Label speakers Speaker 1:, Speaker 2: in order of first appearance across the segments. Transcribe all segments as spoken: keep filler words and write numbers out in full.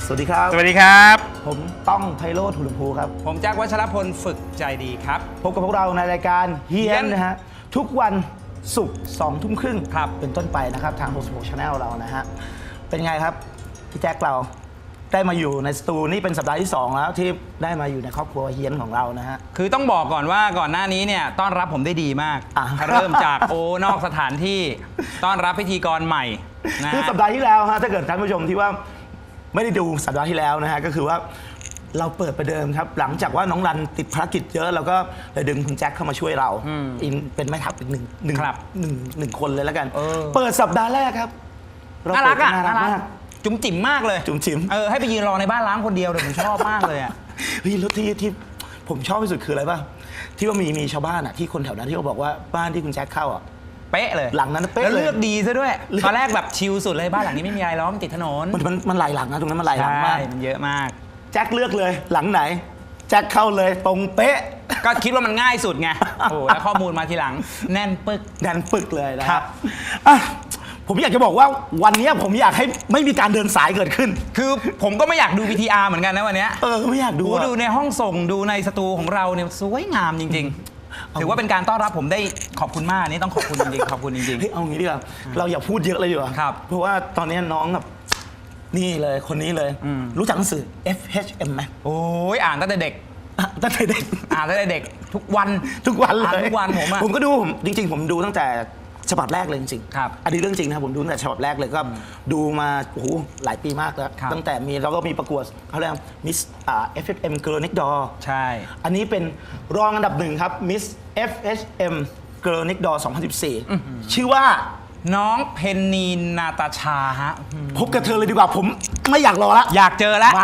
Speaker 1: สวัสดีครับ
Speaker 2: สวัสดีครับ
Speaker 1: ผมต้องไพโรจน์ หุลภูครับ
Speaker 2: ผมแจ็ควัชรพลฝึกใจดีครับ
Speaker 1: พบกับพวกเราในรายการเฮียนนะฮะทุกวันศุกร์สองทุ่มครึ่งเป็นต้นไปนะครับทางหกสิบหก Channel เรานะฮะเป็นไงครับพี่แจ็คเราได้มาอยู่ในสตูนี่เป็นสัปดาห์ที่สองแล้วที่ได้มาอยู่ในครอบครัวเฮียนของเรานะฮะ
Speaker 2: คือต้องบอกก่อนว่าก่อนหน้านี้เนี่ยต้อนรับผมได้ดีมากเริ่มจากโอนอกสถานที่ต้อนรับพิธีกรใหม่นะ
Speaker 1: คือสัปดาห์ที่แล้วฮะถ้าเกิดท่านผู้ชมที่ว่าไม่ได้ดูสัปดาห์ที่แล้วนะฮะก็คือว่าเราเปิดประเดิมครับหลังจากว่าน้องรันติดภารกิจเยอะเราก็เลยดึงคุณแจ็คเข้ามาช่วยเราเป็นแม่ทัพอีกหนึ่งหนึ่งหนึ่งหนึ่งคนเลยแล้วกันเปิดสัปดาห์แรกครับ
Speaker 2: น่ารักอ่ะน่ารักมากจุ๋มจิ๋มมากเลย
Speaker 1: จุ๋มจิ๋ม
Speaker 2: เออให้ไปยืนรอในบ้านล้างคนเดียวเลยผมชอบมากเลยอ่ะ
Speaker 1: เฮ้ยแล้วที่ที่ผมชอบที่สุดคืออะไรป่ะที่ว่ามีมีชาวบ้านอ่ะที่คนแถวนั้นที่เขาบอกว่าบ้านที่คุณแจ็คเข้าอ่ะ
Speaker 2: เป๊ะเลย
Speaker 1: หลังนั้นเป๊ะเลย
Speaker 2: แล้วเลือกดีซะด้วยตอนแรกแบบชิลสุดเลยบ้านหลังนี้ไม่มีอะไรล้อมติดถนน
Speaker 1: มันมันมันหลายหลังนะตรงนั้นมันหลายหลังมาก
Speaker 2: มันเยอะมาก
Speaker 1: แจ็คเลือกเลยหลังไหนแจ็คเข้าเลยตรงเป๊ะ
Speaker 2: ก็คิดว่ามันง่ายสุดไงโอ้แล้วข้อมูลมาทีหลังแน่นปึก
Speaker 1: แน่นปึกเลยนะครับผมอยากจะบอกว่าวันนี้ผมอยากให้ไม่มีการเดินสายเกิดขึ้น
Speaker 2: คือผมก็ไม่อยากดู วี ที อาร์ เหมือนกันนะวันนี้
Speaker 1: เออไม่อยากดู
Speaker 2: ดูในห้องส่งดูในสตูของเราเนี่ยสวยงามจริงๆถือว่าเป็นการต้อนรับผมได้ขอบคุณมากนี่ต้องขอบคุณจริงๆขอบคุณจริง
Speaker 1: ๆเอางี้ดีกว่าเราอย่าพูดเยอะเลยดีกว่า
Speaker 2: ครับ
Speaker 1: เพราะว่าตอนนี้น้องแบบนี่เลยคนนี้เลยรู้จักหนังสือ เอฟ เอช เอ็ม ไหม
Speaker 2: โอ้ยอ่านตั้งแต่เด็ก
Speaker 1: ตั้งแต่เด็ก
Speaker 2: อ่านตั้งแต่เด็กทุกวัน
Speaker 1: ทุกวันเลย
Speaker 2: ทุกวันผมอะ
Speaker 1: ผมก็ดูผมจริงๆผมดูตั้งแต่ฉบับแรกเลยจริง
Speaker 2: ๆครับ
Speaker 1: อันนี้เรื่องจริงนะผมดูตั้งแต่ฉบับแรกเลยก็ดูมาโอ้โหหลายปีมากแล้วตั้งแต่มีเราก็มีประกวดเขาเรียกมิสเอฟ เอช เอ็ม Girl Next Door
Speaker 2: ใช่
Speaker 1: อันนี้เป็นรองอันดับหนึ่งครับ Miss เอฟ เอช เอ็ม Girl Next Door สองพันสิบสี่ชื่อว่า
Speaker 2: น้องเพนนีนาตาชาฮะ
Speaker 1: พบกับเธอเลยดีกว่าผมไม่อยากรอละ
Speaker 2: อยากเจอแล้ว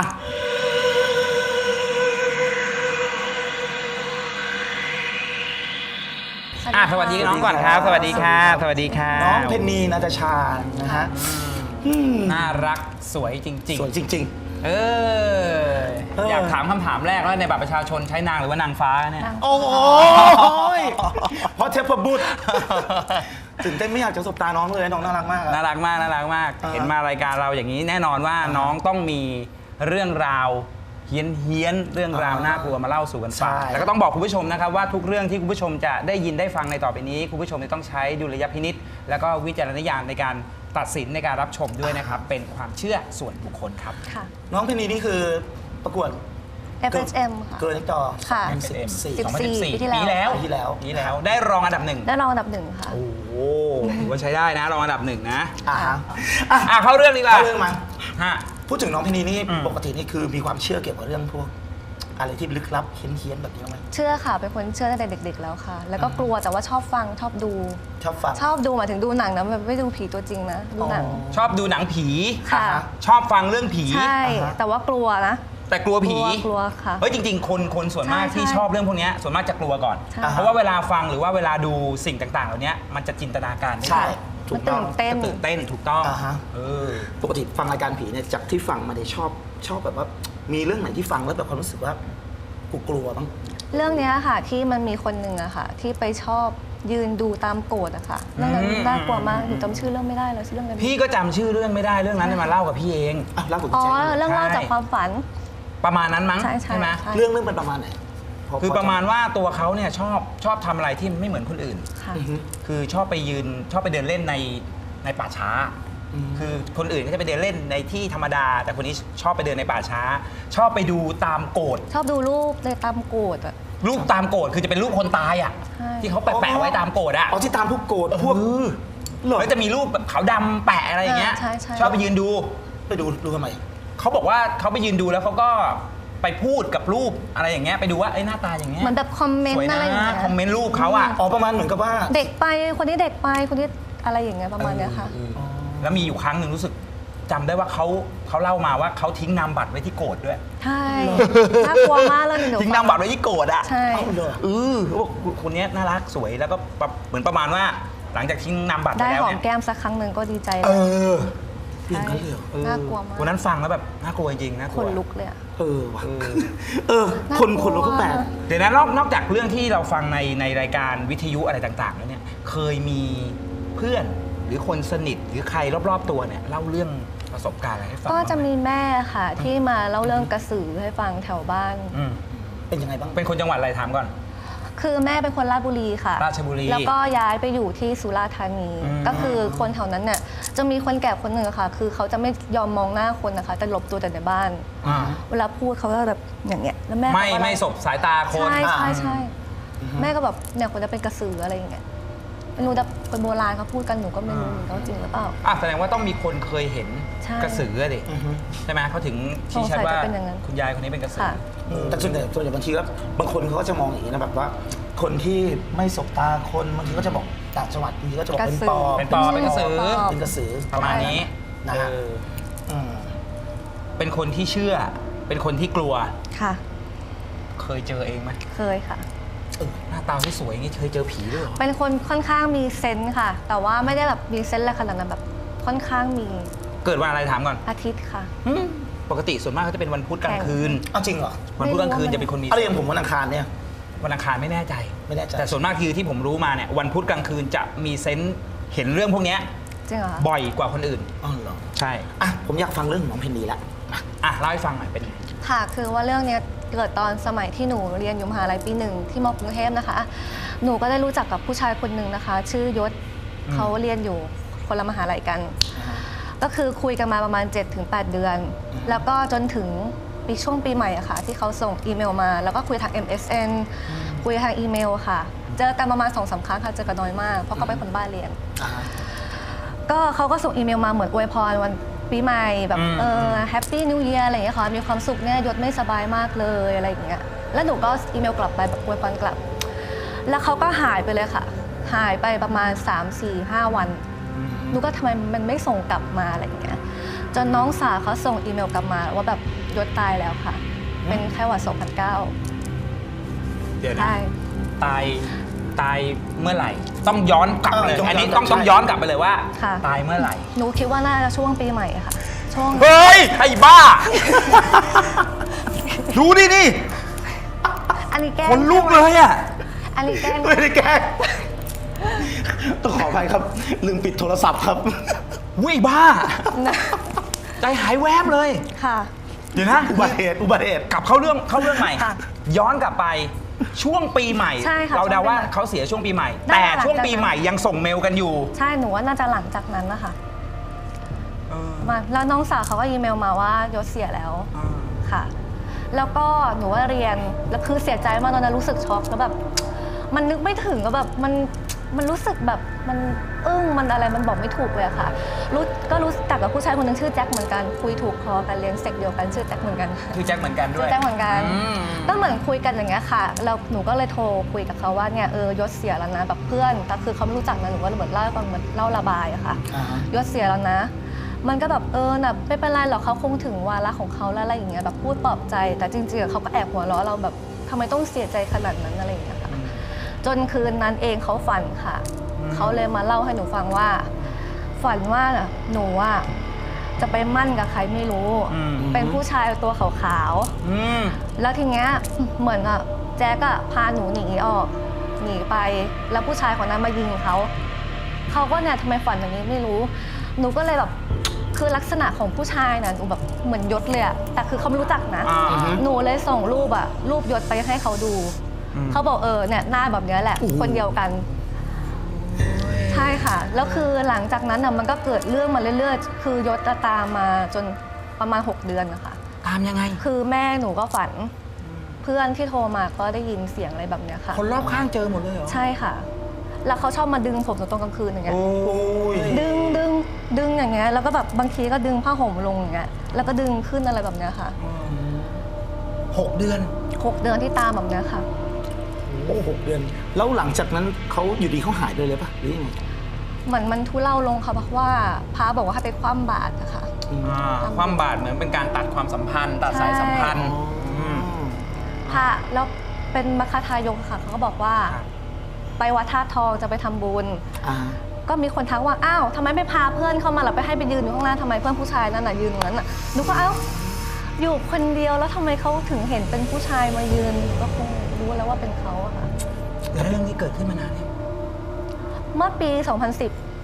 Speaker 2: อ่ะสวัสดีน้องก่อนครับสวัสดีค่ะสวัสดีค่ะ
Speaker 1: น้องเพนนีนาตาชานะฮะ
Speaker 2: น่ารักสวยจริงๆ
Speaker 1: สวยจริง
Speaker 2: ๆเอออยากถามคำถามแรกว่าในบัตรประชาชนใช้นางหรือว่านางฟ้าเนี่ย
Speaker 1: โอ้ยเพราะเทพบุตรตื่นเต้นไม่อยากจะสบตาน้องเลยน้องน่ารักมาก
Speaker 2: น่ารักมากน่ารักมากเห็นมารายการเราอย่างนี้แน่นอนว่าน้องต้องมีเรื่องราวเฮี้ยนเฮี้ยนเรื่องราวน่ากลัวมาเล่าสู่กันฟังแล้วก็ต้องบอกคุณผู้ชมนะครับว่าทุกเรื่องที่คุณผู้ชมจะได้ยินได้ฟังในต่อไปนี้คุณผู้ชมต้องใช้ดุลยพินิจแล้วก็วิจารณญาณในการตัดสินในการรับชมด้วยนะครับเป็นความเชื่อส่วนบุคคลครับ
Speaker 1: น้องเพนนีนี่คือประกวด
Speaker 3: เอฟ เอช เอ็ม ค่ะ
Speaker 1: เกิร์ลเน็กดอร์
Speaker 3: ค่ะ
Speaker 2: สองพันสิบสี่
Speaker 3: ปีที่แล้ว
Speaker 1: ปีที่แล้ว
Speaker 2: ปีแล้วได้รองอันดับหนึ่ง
Speaker 3: ได้รองอันดับหนึ่งค่ะ
Speaker 2: โอ้โหถือว่าใช้ได้นะรองอันดับหนึ่งนะ
Speaker 1: อ่า
Speaker 2: อ่ะเข้าเรื่องดีกว่า
Speaker 1: เข้าเรื่องมา
Speaker 2: ฮะ
Speaker 1: พูดถึงน้องเพนนีนี่ปกตินี่คือมีความเชื่อเกี่ยวกับเรื่องพวกอะไรที่ลึกลับเฮี้ยนๆแบบนี้ไหม
Speaker 3: เชื่อค่ะเป็นคนเชื่อตั้งแต่เด็กๆแล้วค่ะแล้วก็กลัวแต่ว่าชอบฟังชอบดู
Speaker 1: ชอบฟัง
Speaker 3: ชอบดูหมายถึงดูหนังนะแบบไม่ดูผีตัวจริงนะดูหนัง
Speaker 2: ชอบดูหนังผี
Speaker 3: ค่ะ
Speaker 2: ชอบฟังเรื่องผี
Speaker 3: ใช่แต่ว่ากลัวนะ
Speaker 2: แต่กลัวผี
Speaker 3: กลัวค่ะ
Speaker 2: เฮ้ยจริงๆคนคนส่วนมากที่ชอบเรื่องพวกนี้ส่วนมากจะกลัวก่อนเพราะว่าเวลาฟังหรือว่าเวลาดูสิ่งต่างๆเหล่านี้มันจะจินตนาการ
Speaker 1: ใช่
Speaker 3: ถูกต้อง
Speaker 2: ตื่นเต้นถูกต้อง
Speaker 1: ปกติฟังรายการผีเนี่ยจากที่ฟังมาเนี่ยชอบชอบแบบว่ามีเรื่องไหนที่ฟังแล้วแบบความรู้สึกว่ากูกลัวบ้าง
Speaker 3: เรื่องนี้ค่ะที่มันมีคนหนึ่งอะค่ะที่ไปชอบยืนดูตามโกรธอะค่ะเรื่องนั้นน่ากลัวมากหนูจำชื่อเรื่องไม่ได้แล้วชื่อเรื่องอะไร
Speaker 2: พี่ก็จำชื่อเรื่องไม่ได้เรื่องนั้นมาเล่ากับพี่เอง
Speaker 1: เล่ากับ
Speaker 3: อ๋อเรื่องเล่าจากความฝัน
Speaker 2: ประมาณนั้นมั้งใช่ไหม
Speaker 1: เรื่องเรื่องเป็นประมาณไหน
Speaker 2: คือประมาณว่าตัวเขาเนี่ยชอบชอบทำอะไรที่ไม่เหมือนคนอื่นคือชอบไปยืนชอบไปเดินเล่นในในป่าช้าคือคนอื่นก็จะไปเดินเล่นในที่ธรรมดาแต่คนนี้ชอบไปเดินในป่าช้าชอบไปดูตามโกฏ
Speaker 3: ชอบดูรูปเลยตามโกฏอะ
Speaker 2: รูปตามโกฏคือจะเป็นรูปคนตายอ่ะที่เขาแปะไว้ตามโกฏอ่ะ
Speaker 1: อ๋อที่ตามพวกโกฏพวก
Speaker 2: แล้วจะมีรูปแบบขาวดำแปะอะไรอย่างเงี้ยชอบไปยืนดู
Speaker 1: ไปดูดูทำไม
Speaker 2: เขาบอกว่าเขาไปยืนดูแล้วเขาก็ไปพูดกับรูปอะไรอย่างเงี้ยไปดูว่าไอ้หน้าตาอย่างเงี้ย
Speaker 3: เหมือนแบบคอมเมนต์อะไรอย่างเงี้ย
Speaker 2: คอมเมนต์รูปเขาอ่ะ
Speaker 1: อ๋อประมาณเหมือนกับว่า
Speaker 3: เด็กไปคนนี้เด็กไปคนนี้อะไรอย่างเงี้ยประมาณเนี้ยค่ะ
Speaker 2: แล้วมีอยู่ครั้งหนึ่งรู้สึกจำได้ว่าเขาเขาเล่ามาว่าเขาทิ้งนามบัตรไว้ที่โกฏด้วย
Speaker 3: ใช่น่ากลัวมากเลยหนู
Speaker 2: ทิ้งนามบัตรไว้ที่โกฏอ่ะ
Speaker 3: ใช่
Speaker 2: เออเขาบอกคนนี้น่ารักสวยแล้วก็เหมือนประมาณว่าหลังจากทิ้งนามบัตร
Speaker 3: ได้
Speaker 2: แล้ว
Speaker 3: หอมแก้มสักครั้งหนึ่งก็ดีใจ
Speaker 1: เออ
Speaker 3: น่ากลัวมาก
Speaker 2: วันนั้นฟังแล้วแบบน่ากลัวจริงๆน่ากลัว
Speaker 3: คนลุกเลยอะ
Speaker 1: เออเออคนคนลุกก็แปลก
Speaker 2: เดี๋ยวนะนอกนอกจากเรื่องที่เราฟังในในรายการวิทยุอะไรต่างๆแล้วเนี่ยเคยมีเพื่อนหรือคนสนิทหรือใครรอบๆตัวเนี่ยเล่าเรื่องประสบการณ์อะไรให้ฟัง
Speaker 3: ก็จะ
Speaker 2: บ้างไห
Speaker 3: มีแม่ค่ะที่มาเล่าเรื่องกระสือให้ฟังแถวบ้าน
Speaker 2: อืม
Speaker 1: เป็นยังไงบ้าง
Speaker 2: เป็นคนจังหวัดอะไรถามก่อน
Speaker 3: คือแม่เป็นคนราชบุรีค่ะ
Speaker 2: ราชบุรี
Speaker 3: แล้วก็ย้ายไปอยู่ที่สุราษฎร์ธานี
Speaker 2: อืม
Speaker 3: ก็คือคนแถวนั้นเนี่ยจะมีคนแก่คนหนึ่งอะค่ะ คือเขาจะไม่ยอมมองหน้าคนนะคะจะหลบตัวแต่ในบ้าน
Speaker 2: อ่า
Speaker 3: เวลาพูดเขาก็แบบอย่างเงี้ยแล้วแม่
Speaker 2: ไม่
Speaker 3: เขาก็
Speaker 2: ไม่สบสายตาคน
Speaker 3: ใช่ใช่ใช่
Speaker 1: อืม
Speaker 3: แม่ก็แบบเนี่ยคนจะเป็นกระสืออะไรอย่างเงี้ยไม่รู้แต่คนโบราณเขาพูดกันหนูก็ไม่รู้เหมือนกันว่าจริงหรือเปล่า
Speaker 2: อ่ะแสดงว่าต้องมีคนเคยเห็น
Speaker 3: ใช่
Speaker 2: กระสืออะดิ
Speaker 1: อือฮึ
Speaker 2: ใช่ไหมเขาถึงชี้ชัดว่า
Speaker 3: สงสัยจะเป็นอย่างนั้น
Speaker 2: คุณยายคนนี้เป็นกระสือ
Speaker 3: ค่ะ
Speaker 1: อืมแต่ส่วนใหญ่ส่วนใหญ่บางทีก็บางคนเขาก็จะมองอย่างนี้นะแบบว่า คนที่ไม่สบตาคนบางทีก็จะบอกต่างจังหวัดบางทีก็จะบอกเป็นปอบ
Speaker 2: เป็นปอบเป็นกระสือ
Speaker 1: เป็นกระสือ
Speaker 2: ประมาณนี้
Speaker 1: นะฮะ
Speaker 2: เออ
Speaker 1: อืม
Speaker 2: เป็นคนที่เชื่อ เป็นคนที่กลัว
Speaker 3: ค่ะ
Speaker 2: เคยเจอเองไหม
Speaker 3: เคยค่ะ
Speaker 2: หน้าตาที่สวยอย่างนี้เคยเจอผีด้วยเหรอ
Speaker 3: เป็นคนค่อนข้างมีเซนส์ค่ะ แต่ว่าไม่ได้แบบมีเซนส์อะไรขนาดนั้นแบบค่อนข้างมี
Speaker 2: เกิดวันอะไรถามก่อน
Speaker 3: อาทิตย์ค่ะ
Speaker 2: อืมปกติส่วนมากเขาจะเป็นวันพุธกลางคืน
Speaker 1: เอาจริงเหรอ
Speaker 2: วันพุธกลางคืนจะเป็นคนมี
Speaker 1: อะไรอย่างผมวันอังคารเนี่ย
Speaker 2: วันอังคารไม่แน่ใจ
Speaker 1: ไม่แน่ใจ
Speaker 2: แต่ส่วนมากคือที่ผมรู้มาเนี่ยวันพุธกลางคืนจะมีเซนส์เห็นเรื่องพวกเนี้ย
Speaker 3: จริงเหรอคะ
Speaker 2: บ่อยกว่าคนอื่น
Speaker 1: อ๋อเหรอ
Speaker 2: ใช่
Speaker 1: อ่ะผมอยากฟังเรื่องของน้องเพนนีละมา
Speaker 2: อ่ะเล่าให้ฟังหน่อยเป็นไง
Speaker 3: ค่ะ คือว่าเรื่องเนี้ยเกิดตอนสมัยที่หนูเรียนอยู่มหาลัยปีหนึ่งที่มกรุงเทพนะคะ หนูก็ได้รู้จักกับผู้ชายคนหนึ่งนะคะ ชื่อยศ
Speaker 2: อืม
Speaker 3: เขาเรียนอยู่คนละมหาลัยกัน ก็คือคุยกันมาประมาณ เจ็ดถึงแปด เดือน แล้วก็จนถึงปีช่วงปีใหม่อะค่ะที่เขาส่งอีเมลมา แล้วก็คุยทาง เอ็ม เอส เอ็น คุยทางอีเมลค่ะ เจอกันประมาณสองสามครั้งค่ะ เจอกันน้อยมาก เพราะเขาเป็นคนบ้านเรียน
Speaker 1: อ่า
Speaker 3: ก็เขาก็ส่งอีเมลมาเหมือนอวยพรวันปีใหม่แบบ
Speaker 2: อืม
Speaker 3: เออแฮปปี้นิวเยียร์อะไรอย่างเงี้ยค่ะมีความสุขเนี่ยยศไม่สบายมากเลยอะไรอย่างเงี้ยแล้วหนูก็อีเมลกลับไปแบบอวยพรกลับ แล้วเขาก็หายไปเลยค่ะ หายไปประมาณ สาม สี่ ห้า วันหนูก็ทำไมมันไม่ส่งกลับมาอะไรอย่างเงี้ยจนน้องสาวเขาส่งอีเมลกลับมาว่าแบบยศตายแล้วค่ะ เป็นไข้หวัดสองพันเก้า
Speaker 2: เดี๋ยวนะ
Speaker 3: ใช่
Speaker 2: ตายตายเมื่อไหร่ ต้องย้อนกลับเลย
Speaker 1: เออต้อง
Speaker 2: อันนี้
Speaker 1: ย้อนกลั
Speaker 2: ต้
Speaker 1: บ
Speaker 2: องต้อง
Speaker 1: ใช่
Speaker 2: ย้อนกลับไปเลยว่า
Speaker 3: ค่ะ
Speaker 2: ตายเมื่อไหร่
Speaker 3: หนูคิดว่าน่าจะช่วงปีใหม่ค่ะ ช่วง
Speaker 2: เฮ้ยไอ้บ้า ดูดินี่
Speaker 3: อันนี้แกล้ง
Speaker 2: คนลุกเลยอ่ะ
Speaker 3: อันนี้แกล้ง
Speaker 1: ไม่ได้แกล้งต้องขออภัยครับ ลืมปิดโทรศัพท์ครับ
Speaker 2: วุ้ยบ้า
Speaker 3: นะ
Speaker 2: ใจหายแวบเลย
Speaker 3: ค่ะ
Speaker 2: เดี๋ยวนะ
Speaker 1: อุบัติเหตุอุบัติเหตุ
Speaker 2: กลับเข้าเรื่องเข้าเรื่องใหม่
Speaker 3: ค่ะ
Speaker 2: ย้อนกลับไปช่วงปีใหม่
Speaker 3: ใช่ค่ะ
Speaker 2: เราเดาว่า
Speaker 3: ช่วงปีใหม่
Speaker 2: เขาเสียช่วงปีใหม่
Speaker 3: น่า
Speaker 2: แต่
Speaker 3: จะหลัง
Speaker 2: ช่วง
Speaker 3: จาก
Speaker 2: ปีใหม่ยังส่งเมลกันอยู่
Speaker 3: ใช่หนูว่าน่าจะหลังจากนั้นนะคะ
Speaker 2: เออ
Speaker 3: มาแล้วน้องสาวเขาก็อีเมลมาว่ายศเสียแล้ว
Speaker 2: อ่า
Speaker 3: ค่ะ แล้วก็หนูว่าเรียนแล้วคือเสียใจมากตอนนั้นรู้สึกช็อกแล้วแบบ มันนึกไม่ถึงก็แบบมันมันรู้สึกแบบมันอึ้งมันอะไรมันบอกไม่ถูกเลยอะค่ะรู้ก็รู้จักกับผู้ชายคนหนึงชื่อแจ็คเหมือนกันคุยถูกคอกันเรียนเซกเดียวกันชื่อแจ็คเหมือนกัน
Speaker 2: คือแจ็คเหมือนกันด้
Speaker 3: ชื่
Speaker 2: ว
Speaker 3: อย แจ็คเหมือนกัน
Speaker 2: อืม
Speaker 3: ก็เหมือนคุยกันอย่างเงี้ยค่ะแล้วหนูก็เลยโทรคุยกับเขาว่าเนี่ยเออยศเสียแล้วนะแบบเพื่อนแต่คือเขาไม่รู้จักนะหนูก็เลยเหมือนเล่าให้ฟังเหมือนเล่าระบายอะค่ะ
Speaker 1: อ่าฮะ
Speaker 3: ยศเสียแล้วนะ มันก็แบบเออน่ะไม่เป็นไรหรอกเขาคงถึงวาระของเขาแล้วอะไรอย่างเงี้ยแบบพูดปลอบใจ แต่จริงๆอะเขาก็แอบหัวเราะเราแบบทำไมต้องเสียใจขนาดนั้นอะไรอย่างเงี้ยค่ะ จนคืนนั้นเองเขาฝันค่ะ
Speaker 2: อืม
Speaker 3: เขาเลยมาเล่าให้หนูฟังว่า ฝันว่าหนูว่าจะไปมั่นกับใครไม่รู้
Speaker 2: อืม
Speaker 3: เป็นผู้ชายตัวขาว
Speaker 2: อืม
Speaker 3: ๆ แล้วทีเนี้ยเหมือนอะแจ๊กอะพาหนูหนีออกหนีไปแล้วผู้ชายคนนั้นมายิงเขาเขาก็เนี่ยทำไมฝันอย่างนี้ไม่รู้ หนูก็เลยแบบคือลักษณะของผู้ชายน่ะหนูแบบเหมือนยศเลยอะแต่คือเขาไม่รู้จักนะ
Speaker 2: อ่า
Speaker 1: อือฮึ
Speaker 3: หนูเลยส่งรูปอะรูปยศไปให้เขาดู
Speaker 2: อืม
Speaker 3: เขาบอกเออเนี่ยหน้าแบบเนี้ยแหละ
Speaker 1: โอ้โห
Speaker 3: คนเดียวกัน ใช่ค่ะ แล้วคือหลังจากนั้นน่ะมันก็เกิดเรื่องมาเรื่อยๆ คือยศจะตามมาจนประมาณ หก เดือนนะคะ
Speaker 2: ตามยังไง
Speaker 3: คือแม่หนูก็ฝัน เพื่อนที่โทรมาก็ได้ยินเสียงอะไรแบบเนี้ยค่ะ
Speaker 2: คนรอบข้างเจอหมดเลยเหรอ
Speaker 3: ใช่ค่ะ แล้วเขาชอบมาดึงผมหนูตอนกลางคืนอย่างเงี้ย
Speaker 2: โอ้ย
Speaker 3: ดึงดึงดึงอย่างเงี้ย แล้วก็แบบบางทีก็ดึงผ้าห่มลงอย่างเงี้ย แล้วก็ดึงขึ้นอะไรแบบเนี้ยค่ะ
Speaker 2: หกเดือน
Speaker 3: หกเดือนที่ตามแบบเนี้ยค่ะ
Speaker 1: โอ้หกเดือน แล้วหลังจากนั้นเขาอยู่ดีเขาหายไปเลยปะหรือยังไง
Speaker 3: เหมือนมันทุเลาลงค่ะเพราะว่าพระบอกว่าให้ไปคว่ำบาตรนะคะ
Speaker 1: อืม
Speaker 2: อ่าความบาดเหมือนเป็นการตัดความสัมพันธ์ ตัดสายสัมพันธ์
Speaker 1: อ๋ออื
Speaker 2: ม
Speaker 3: พระแล้วเป็นมัคคทายกค่ะเขาก็บอกว่า
Speaker 2: ครับ
Speaker 3: ไปวัดท่าตุทองจะไปทำบุญ
Speaker 1: อ่า
Speaker 3: ก็มีคนทักว่าอ้าวทำไมไม่พาเพื่อนเข้ามาหรอไปให้ไปยืนอยู่ข้างหน้าทำไมเพื่อนผู้ชายนั่นน่ะยืนตรงนั้นน่ะหนูก็เอ้าอยู่คนเดียวแล้วทำไมเขาถึงเห็นเป็นผู้ชายมายืนก็คงรู้แล้วว่าเป็นเขาอะค่ะ
Speaker 2: แล้วเรื่องนี้เกิดขึ้นมานานยัง
Speaker 3: เมื่อปี สองพันสิบ
Speaker 2: อ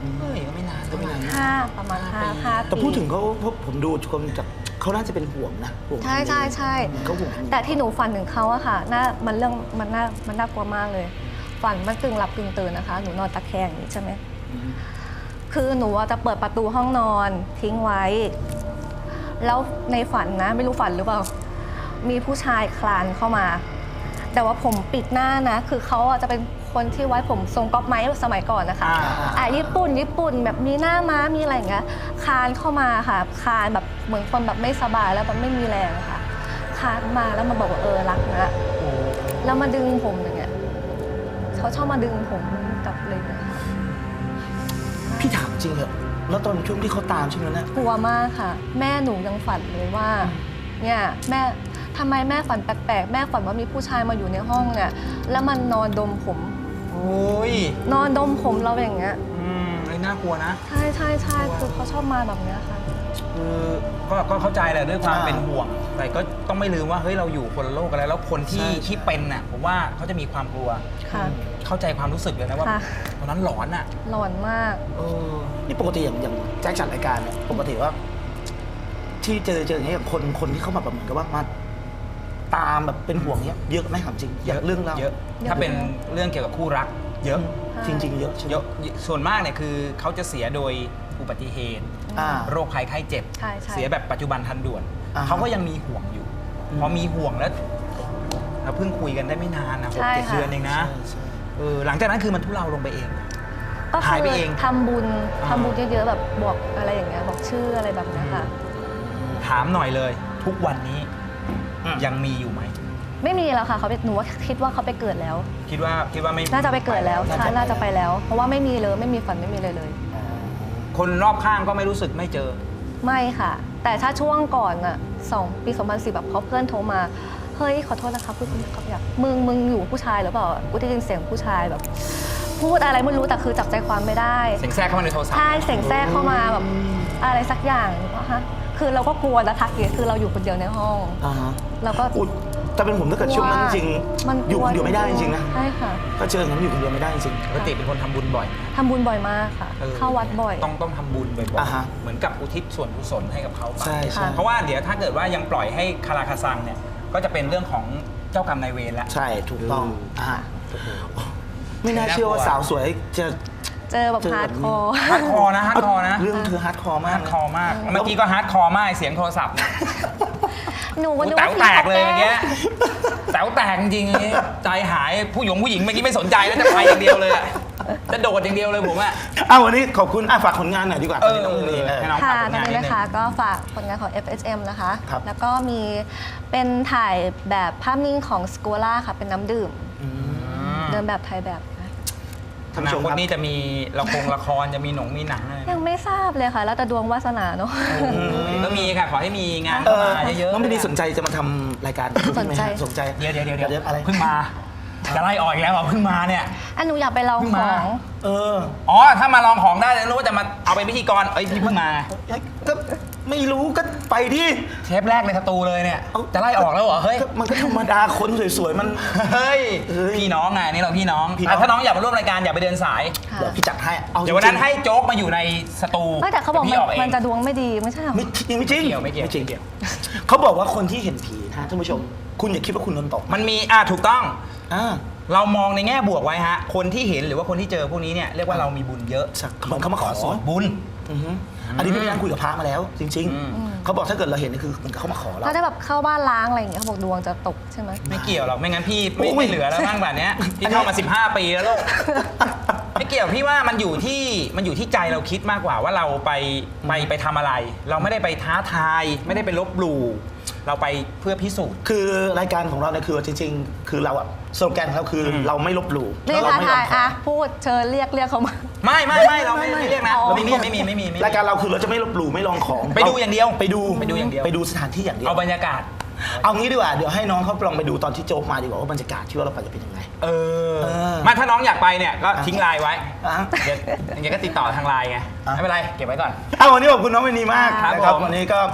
Speaker 2: เฮ้ยก็ไม่นาน
Speaker 1: ก็ไม่นาน
Speaker 3: ห้าประมาณห้าห้า
Speaker 1: แต่พูดถึงเขาเพราะผมดูคนจากเขาน่าจะเป็นห่วงนะห่วง
Speaker 3: ใช่ใช่ใช่
Speaker 1: เขาห่วง
Speaker 3: แต่ที่หนูฝันถึงเขาอะค่ะน่ามันเรื่องมันน่ามันน่ากลัวมากเลย ฝันมันกึ่งหลับกึ่งตื่นนะคะ หนูนอนตะแคงอย่างนี้ใช่ไหมคือหนูอะจะเปิดประตูห้องนอนทิ้งไว้ แล้วในฝันนะไม่รู้ฝันหรือเปล่า มีผู้ชายคลานเข้ามา แต่ว่าผมปิดหน้านะ คือเขาอะจะเป็นคนที่ไว้ผมทรงก๊อปไม้สมัยก่อนนะคะ
Speaker 2: อ่า
Speaker 3: อ่ะญี่ปุ่นญี่ปุ่นแบบมีหน้าม้ามีอะไรอย่างเงี้ยคลานเข้ามาค่ะคลานแบบเหมือนคนแบบไม่สบายแล้วแบบไม่มีแรงอะค่ะคลานมาแล้วมาบอกว่าเออรักนะแล้วมาดึงผมอย่างเงี้ยเขาชอบมาดึงผมกลับเลยนะคะ
Speaker 1: พี่ถามจริงเหรอแล้วตอนช่วงที่เขาตามใช่ไหมนะ
Speaker 3: กลัวมากค่ะ แม่หนูยังฝันเลยว่าเนี่ยแม่ทำไมแม่ฝันแปลกๆแม่ฝันว่ามีผู้ชายมาอยู่ในห้องเนี่ยแล้วมันนอนดมผม
Speaker 2: โอ้ย
Speaker 3: นอนดมผมเราอย่างเงี้ย
Speaker 2: อืมไอ้น่ากลัวนะ
Speaker 3: ใช่ใช่ใช่คือเขาชอบมาแบบเนี้ยค่ะ
Speaker 2: คือก็ก็เข้าใจแหละด้วยความ
Speaker 1: อ่า
Speaker 2: เป็นห่วง แต่ก็ต้องไม่ลืมว่าเฮ้ยเราอยู่คนละโลกกันแล้วแล้วคนที่
Speaker 1: ใช่ใช่
Speaker 2: ที่เป็นน่ะผมว่าเขาจะมีความกลัว
Speaker 3: ค่ะ
Speaker 2: เข้าใจความรู้สึกเลยนะว่า
Speaker 3: ค่ะ
Speaker 2: ตอนนั้นหลอนอ่ะ
Speaker 3: หลอนมาก
Speaker 2: เออ
Speaker 1: นี่ปกติอย่างอย่างแจ็คจัดรายการเนี่ยปกติว่า ที่เจอเจออย่างเงี้ยอย่างคนคนที่เข้ามาแบบเหมือนกับว่ามาตามแบบเป็นห่วงเนี้ยเยอะไหมถามจริงอยากเรื่องเรา
Speaker 2: เยอะ ถ้าเป็นเรื่องเกี่ยวกับคู่รัก เยอะ
Speaker 1: จริง ๆ เยอะใช่ไหม
Speaker 2: เยอะส่วนมากเนี่ยคือเขาจะเสียโดยอุบัติเหตุ
Speaker 1: อ่า
Speaker 2: โรคภัยไข้เจ็บ
Speaker 3: ใช่ใช่
Speaker 2: เสียแบบปัจจุบันทันด่วน
Speaker 1: อ่าฮะ
Speaker 2: เขาก็ยังมีห่วงอยู่
Speaker 1: อืม
Speaker 2: พอมีห่วงแล้วเราเพิ่งคุยกันได้ไม่นานนะหก
Speaker 3: ใช่
Speaker 2: เจ็ด
Speaker 3: ค่ะ
Speaker 2: เดือนเองนะ
Speaker 1: ใช่ใช่
Speaker 2: เออหลังจากนั้นคือมันทุเลาลงไปเอง
Speaker 3: ก็
Speaker 2: หาย
Speaker 3: คื
Speaker 2: ไป
Speaker 3: อ
Speaker 2: เอง
Speaker 3: ทำบุญ
Speaker 2: อ่า
Speaker 3: ทำบุญเยอะๆแบบบอกอะไรอย่างเงี้ยบอกชื่ออะไรแบบเนี้ยค่ะ
Speaker 2: ถามหน่อยเลย ทุกวันนี้
Speaker 1: อืม
Speaker 2: ยังมีอยู่ไหม
Speaker 3: ไม่มีแล้วค่ะเขาไปหนูว่าคิดว่าเขาไปเกิดแล้ว
Speaker 2: คิดว่าคิดว่าไม่
Speaker 3: น่าจะไปเกิดแล้ว
Speaker 1: น่าจะ
Speaker 3: ใช่
Speaker 1: ไป
Speaker 3: น่าจะไปแล้ว เพราะว่าไม่มีเลยไม่มีฝันไม่มีเลยเลย
Speaker 2: คนรอบข้างก็ไม่รู้สึกไม่เจอ
Speaker 3: ไม่ค่ะ แต่ถ้าช่วงก่อนอะสองปีสองพันสิบแบบเขาเพื่อนโทรมาเฮ้ยขอโทษนะครับพูดเขาอยากมึงมึงอยู่ผู้ชายหรือเปล่ากูได้ยินเสียงผู้ชายแบบ พูดอะไรไม่รู้แต่คือจับใจความไม่ได้
Speaker 2: เสียงแทรกเข้ามาในโทรศัพท์
Speaker 3: ใช่เสียงแทรกเข้ามาแบบอะไรสักอย่างว่าฮะคือเราก็กลัวนะทักเกียคือเราอยู่คนเดียวในห้อง
Speaker 1: อ่าฮะ
Speaker 3: เราก็
Speaker 1: อุ๊ยแต่เป็นผมถ้าเกิดช่วงนั้นจริง
Speaker 3: มัน
Speaker 1: อยู่คนเดียวไม่ได้จริงๆนะ
Speaker 3: ใช่ค่ะ
Speaker 1: ก็เจออย่างนั้นอยู่คนเดียวไม่ได้จริง
Speaker 2: ปกติเป็นคนทำบุญบ่อย
Speaker 3: ทำบุญบ่อยมากค่ะ
Speaker 2: ออ
Speaker 3: เข้าวัดบ่อย
Speaker 2: ต้องต้องทำบุญบ่อย
Speaker 1: อ่าฮะ
Speaker 2: ๆเหมือนกับอุทิศส่วนกุศลให้กับเขาไป
Speaker 1: ใช่ใช่
Speaker 2: เพราะว่าเดี๋ยวถ้าเกิดว่ายังปล่อยให้คาราคาซังเนี่ยก็จะเป็นเรื่องของเจ้ากรรมนายเวรแล้ว
Speaker 1: ใช่ถูกต้อง
Speaker 2: เอออ่
Speaker 1: อ่าไม่น่าเชื่อว่าสาวสวยจะ
Speaker 3: เจอแบบ
Speaker 1: เจอ
Speaker 3: ฮา
Speaker 1: แบ
Speaker 3: ร์ด
Speaker 1: บ
Speaker 3: ค
Speaker 1: นี้
Speaker 3: อร์
Speaker 2: ฮาร์ดคอร์นะฮาร์ดคอร์นะ
Speaker 1: เรื่องเธอฮาร์ดคอร์มา
Speaker 2: ฮาก ร์ดคอร์มากเมื่อกี้ก็ฮาร์ดคอร์มากเสียงโทรศัพท์เนี่ย
Speaker 3: หนู
Speaker 2: กู
Speaker 3: นึ
Speaker 2: แต๋วแตกเลยเมื่อกี้
Speaker 3: แ
Speaker 2: แต๋วแตกจริงๆอันนี้ใจหายผู้หญิงผู้หญิงเมื่อกี้ไม่สนใจแล้วจะไปอย่างเดียวเลยอะจะโดดอย่างเดียวเลยผมอะ
Speaker 1: อ้าววันนี้ขอบคุณอ่ะฝากผลงานหน่อยดีกว่า
Speaker 2: เออ
Speaker 1: ตอนนี้น้องเมย์เออ
Speaker 2: ให้น้อง
Speaker 3: ค่ะ
Speaker 2: ฝากผลาน
Speaker 3: ตองน
Speaker 2: นิ
Speaker 3: นี้
Speaker 2: ดนึ
Speaker 3: นะ
Speaker 2: ง
Speaker 3: คะก็ฝากผลงานของ เอฟ เอส เอ็ม นะคะ
Speaker 1: ครับ
Speaker 3: แล้วก็มีเป็นถ่ายแบบภาพนิ่งของส c ก l ล่าค่ะเป็นน้ำดื่ม เดินแบบถ่ายแบบนะ
Speaker 2: อนาคตนี้จะมีละครละครจะมีหนงมีหนังอะไร
Speaker 3: ยังไม่ทราบเลยค่ะ แล้วแต่ดวงวาสนาเนาะ
Speaker 2: ก็มีค่ะขอให้มีงาน
Speaker 1: เอ
Speaker 2: เข้า
Speaker 1: อ
Speaker 2: มาเยอะๆ
Speaker 1: น้องไม่ดีสนใจจะมาทำรายการ
Speaker 3: สนใจ
Speaker 1: สนใจ
Speaker 2: เดี๋ยวเดี๋ยวเดี๋ยว
Speaker 1: เดี๋ยวอะไร
Speaker 2: เพิ่งมาจะไล่ออกอีกแล้วเหรอเพิ่งมาเนี่ย
Speaker 3: อันหนูอยากไปลอง
Speaker 2: เพิ่ง
Speaker 3: ข
Speaker 2: มา
Speaker 3: อง
Speaker 1: เออ
Speaker 2: อ๋อถ้ามาลองของได้จะรู้ว่าจะมาเอาเป็นพิธีกรเอ้ยพี่เพิ่งมา
Speaker 1: ก็ไม่รู้ก็ไปดิ
Speaker 2: เทปแรกในสตูเลยเนี่ย
Speaker 1: เอ้า
Speaker 2: จะไล่ออกแล้วเหรอเฮ้ย
Speaker 1: ก็มันก็ธรรมดาคนสวยๆมัน
Speaker 2: เฮ้ย
Speaker 1: เฮ้ย
Speaker 2: พี่น้องไงนี่เราพี่น้อง
Speaker 1: พี่น้อง
Speaker 2: อ่ะถ้าน้องอยากมาร่วมรายการอย่าไปเดินสาย
Speaker 3: ค่ะ
Speaker 1: เดี๋ยวพี่จัดให้เอา
Speaker 2: เดี๋ยววันนั้น
Speaker 1: จริง
Speaker 2: ให้โจ๊กมาอยู่ในสตู
Speaker 3: ไม่แต่เขาบอก
Speaker 2: ดี๋ยวพี่ออกเอง
Speaker 3: มันจะดวงไม่ดีไม่ใช่เหรอ
Speaker 1: ไม่จริงไม่จริง
Speaker 2: ไม่เกี่ยวไม่เกี่ยว
Speaker 1: จริงเขาบอกว่าคนที่เห็นผีนะฮะท่านผู้ชม คุณอย่าคิดว่าคุณโดนตก
Speaker 2: มันมีอ่ะถูกต้อง
Speaker 1: อ่า
Speaker 2: เรามองในแง่บวกไว้ฮะ คนที่เห็นหรือว่าคนที่เจอพวกนี้เนี่ยเรียกว่าเรามีบุญเยอะ
Speaker 1: สักเหมือนเขามาขอ
Speaker 2: ส่วนบุญ
Speaker 1: อือฮึอันนี้พี่ไปนั่งคุยกับพระมาแล้ว จริง
Speaker 2: อืม
Speaker 1: ๆ เขาบอกถ้าเกิดเราเห็นนี่คือเหมือนเขามาขอเรา
Speaker 3: ถ้าได้แบบเข้าบ้านล้างอะไรอย่างเงี้ยเขาบอกดวงจะตกใช่ไหม
Speaker 2: ไม่เกี่ยวหรอกไม่งั้นพี่ไม่
Speaker 1: โอ้ย
Speaker 2: ไม่เหลือแล้วบ้างแบบเนี้ยพี่เข้ามาสิบห้าปีแล้วลูก ไม่เกี่ยวพี่ว่ามันอยู่ที่มันอยู่ที่ใจเราคิดมากกว่าว่าเราไปไปไปทำอะไร เราไม่ได้ไปท้าทาย ไม่ได้ไปลบหลู่เราไปเพื่อพิสูจน์
Speaker 1: คือรายการของเราเนี่ยคือจริง ๆ คือเราอะสโลแกนของเราคืออ
Speaker 2: ม
Speaker 1: เราไม่ลบหลู่
Speaker 3: เรียก
Speaker 1: แล้ว
Speaker 3: ท้า
Speaker 1: เราไม่
Speaker 3: ทาย
Speaker 1: ลำ
Speaker 3: อ่ะพูดเชิญเรียกเรียกเขามา
Speaker 2: ไม่ไม่ไม่เราไม่
Speaker 1: ไม่ไม่
Speaker 2: ไม่เรียกนะ
Speaker 3: อ๋อ
Speaker 2: เราไม่มีไม่มีไม่มีไม่มี
Speaker 1: รายการเราคือเราจะไม่ลบหลู่ไม่ลองของ
Speaker 2: ไปดูอย่างเดียว
Speaker 1: ไปดู
Speaker 2: ไปดูอย่างเดียว
Speaker 1: ไปดูสถานที่อย่างเดียว
Speaker 2: เอาบรรยากาศ
Speaker 1: เอางี้ดีกว่าเดี๋ยวให้น้องเขาลองไปดูตอนที่โจ๊กมาดีกว่าว่าบรรยากาศที่ว่าเราไปจะเป็นยังไง
Speaker 2: เออ
Speaker 1: เออ
Speaker 2: มาถ้าน้องอยากไปเนี่ยก็ทิ้งไลน์ไว้
Speaker 1: อ่ะ
Speaker 2: เดี๋ยวอย่างเงี้ยก็ติดต่อทางไลน์ไง
Speaker 1: อ่ะ
Speaker 2: ไม่เป็นไรเก็บไว้ก่อน
Speaker 1: เอาวันนี้ขอบคุณน้องเวนีมาก
Speaker 2: ครับ
Speaker 1: นะครับ
Speaker 2: ผม
Speaker 1: วันนี้ก็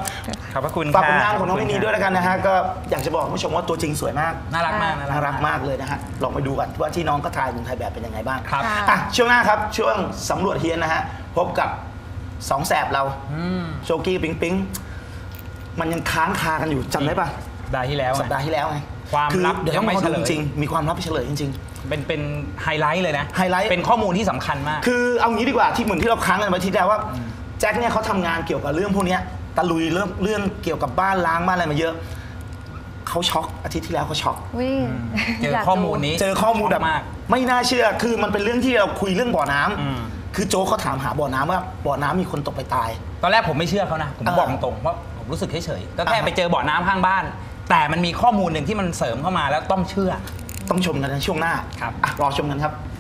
Speaker 2: ขอบพระคุณ
Speaker 1: ฝากผล
Speaker 2: ค่ะ
Speaker 1: งานของน้องมินีด้วยแล้วกันนะฮะก็อยากจะบอกคุณผู้ชมว่าตัวจริงสวยมาก
Speaker 2: น่ารักมาก
Speaker 1: น่ารักมากเลยนะฮะลองไปดูกันว่าที่น้องก็ถ่ายเมืองไทยแบบเป็นยังไงบ้าง
Speaker 2: ครับ
Speaker 1: อ่ะช่วงหน้าครับช่วงสำรวจเฮียนนะฮะพบกับสองแสบเรา
Speaker 2: อืม
Speaker 1: โชกี้ปิงปิงมันยังค้างคากันอยู่จำได้ปะ
Speaker 2: สัปดาห์ที่แล้ว
Speaker 1: สัปดาห์ที่แล้วไง
Speaker 2: ความ
Speaker 1: คือ
Speaker 2: ลับ
Speaker 1: เดี๋ยว
Speaker 2: ยั
Speaker 1: ต้อง ง
Speaker 2: ไม่
Speaker 1: มา
Speaker 2: เฉ
Speaker 1: ดู
Speaker 2: ลย
Speaker 1: จริงๆมีความลับเฉลยจริง
Speaker 2: เป็นเป็นไฮไลท์เลยนะ
Speaker 1: ไฮไลท์
Speaker 2: เป็นข้อมูลที่สำคัญมาก
Speaker 1: ๆ คือเอางี้ดีกว่าที่เหมือนที่เราค้างกันไว้ที่แล้วว่าแจ็คเนี่ยเขาทำงานเกี่ยวกับเรื่องพวกเนี้ยตะลุยเรื่องเรื่องเกี่ยวกับบ้านล้างบ้านอะไรมาเยอะเขาช็อกอาทิตย์ที่แล้วเขาช็อก
Speaker 3: วิ่ง
Speaker 2: เจอข้อมูลนี้
Speaker 1: เจอข้อมูลแบบ
Speaker 2: มาก
Speaker 1: ไม่น่าเชื่อ คือมันเป็นเรื่องที่เราคุยเรื่องบ่อน้ำ
Speaker 2: อืม
Speaker 1: คือโจ๊กเขาถามหาบ่อน้ำว่าบ่อน้ำมีคนตกไปตาย
Speaker 2: ตอนแรกผมไม่เชื่อเขานะ ผม
Speaker 1: เออ
Speaker 2: บอกตรงๆเพราะผมรู้สึกเฉยๆก็แค่
Speaker 1: อ่าฮะ
Speaker 2: ไปเจอบ่อน้ำข้างบ้าน แต่มันมีข้อมูลหนึ่งที่มันเสริมเข้ามาแล้วต้องเชื่อ
Speaker 1: ต้องชมกันในช่วงหน้า
Speaker 2: ครับ
Speaker 1: อ่ะรอชมกันครับ